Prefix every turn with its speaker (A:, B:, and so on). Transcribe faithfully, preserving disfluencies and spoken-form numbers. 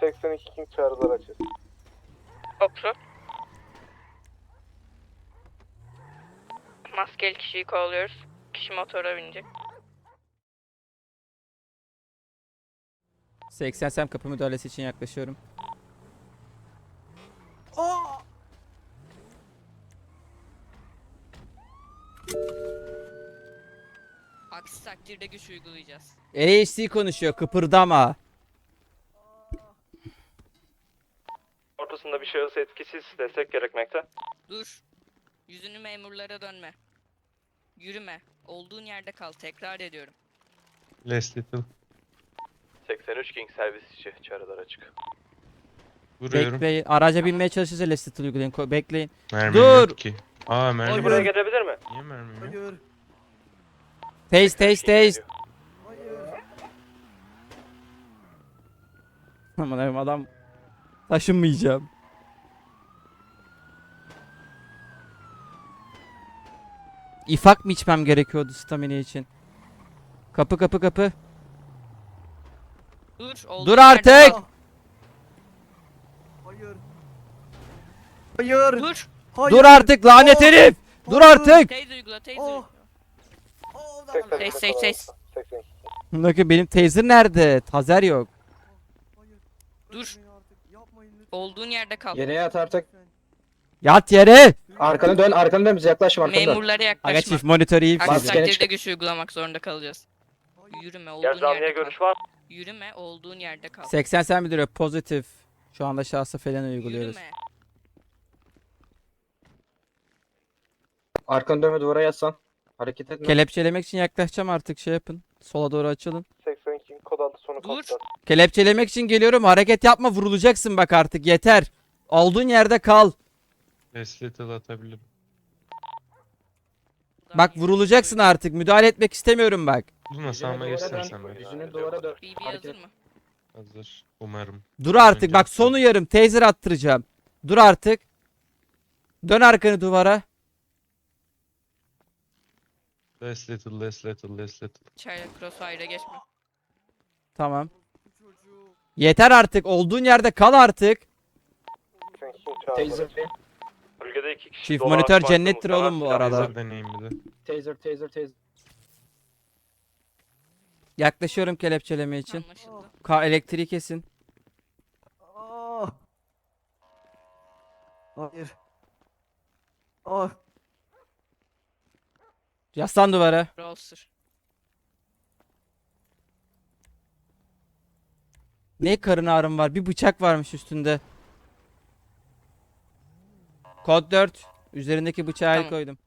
A: seksen iki King çağrılar açız.
B: Kopru. Maskeli kişiyi kovalıyoruz. Kişi motora binecek.
C: seksen sem kapı müdahalesi için yaklaşıyorum.
B: Aksi takdirde güç uygulayacağız.
C: A H C konuşuyor, kıpırdama.
A: Ortasında bir şahıs etkisiz destek gerekmekte.
B: Dur. Yüzünü memurlara dönme. Yürüme. Olduğun yerde kal. Tekrar ediyorum.
D: Less little.
A: seksen üç King servis içi çağrılar açık.
D: Vuruyorum.
C: Bekleyin. Araca binmeye çalışırsa Lestat uygulayın. Ko- Bekleyin.
D: Mermim
C: Dur.
D: yok ki. Aa mermi.
A: Kişi buraya gelebilir mi?
D: Niye mermim yok?
C: Taste taste taste. Aman Allah'ım, adam taşınmayacağım. İfak mı içmem gerekiyordu stamina için? Kapı kapı kapı.
B: Dur. olduğun
C: Dur
B: yerde
C: artık.
B: kal.
E: Hayır. Hayır.
B: Dur.
E: Hayır.
C: Dur artık lanet
E: Oh.
C: herif. Dur
E: Hayır.
C: artık.
B: Teyze uygula. Teyze
E: Oh.
B: uygula.
E: Oh,
A: seksen
B: Seç,
A: iki
B: seç, seç.
A: seksen iki.
C: Bakın benim taser nerede? Tazer yok.
E: Hayır.
B: Dur.
E: Bırakın artık. Yapmayın lütfen.
B: Olduğun yerde kal.
F: Yere yat artık.
E: Lütfen.
C: Yat yere.
F: Arkanı dön, arkanı dön bize yaklaşma arkanı dön.
B: Memurlara
C: Aga
B: yaklaşma.
C: çift monitörü iyi
B: Aksi
F: Maskeni
B: takdirde
F: çıkar.
B: güç uygulamak zorunda kalacağız.
E: Hayır.
B: Yürüme. Olduğun
A: Gel zanlıya
B: yerde kal.
A: görüş var.
B: Yürüme. Olduğun yerde kal.
C: seksen sen bildiriyor pozitif. Şu anda şahsı falan uyguluyoruz.
B: Yürüme.
F: Arkanı dön ve duvara yatsan. Hareket etme.
C: Kelepçelemek için yaklaşacağım artık, şey yapın. Sola doğru açılın.
A: seksen iki King kod altı sonu
B: Dur.
A: kontrol.
C: Kelepçelemek için geliyorum, hareket yapma, vurulacaksın bak artık, yeter. Olduğun yerde kal.
D: Less little atabilirim.
C: Bak vurulacaksın artık, müdahale etmek istemiyorum bak.
D: Luna
F: Yüzünü
D: sağıma
F: duvara
D: geçsen
F: dön.
D: sen be.
F: Yüzünü duvara dön.
B: B B
F: Hareket
B: hazır
F: et.
B: mı?
D: Hazır. Umarım.
C: Dur artık
D: Önce
C: bak,
D: sen.
C: son uyarım, taser attıracağım. Dur artık. Dön arkanı duvara.
D: Less little, less little, less little.
B: Çaylak crossfire'a geçme.
C: Tamam.
E: Bu çocuğu.
C: Yeter artık, olduğun yerde kal artık.
A: seksen iki King çağrılar
F: Taser,
A: açık. Bölgede iki kişi.
C: Çift
A: dolar
C: monitör
A: farklı
C: cennettir
A: muhtemel
C: oğlum bu
A: silah
C: arada.
D: Taser deneyim bir de.
F: taser, taser, taser.
C: Yaklaşıyorum kelepçeleme için.
B: Anlaşıldı.
C: Ka elektriği kesin.
E: Ah. Hayır. Ah.
C: Yaslan duvara.
B: Browser.
C: Ne karın ağrım var? Bir bıçak varmış üstünde. Kod dört. Üzerindeki bıçağı el
B: Tamam.
C: koydum.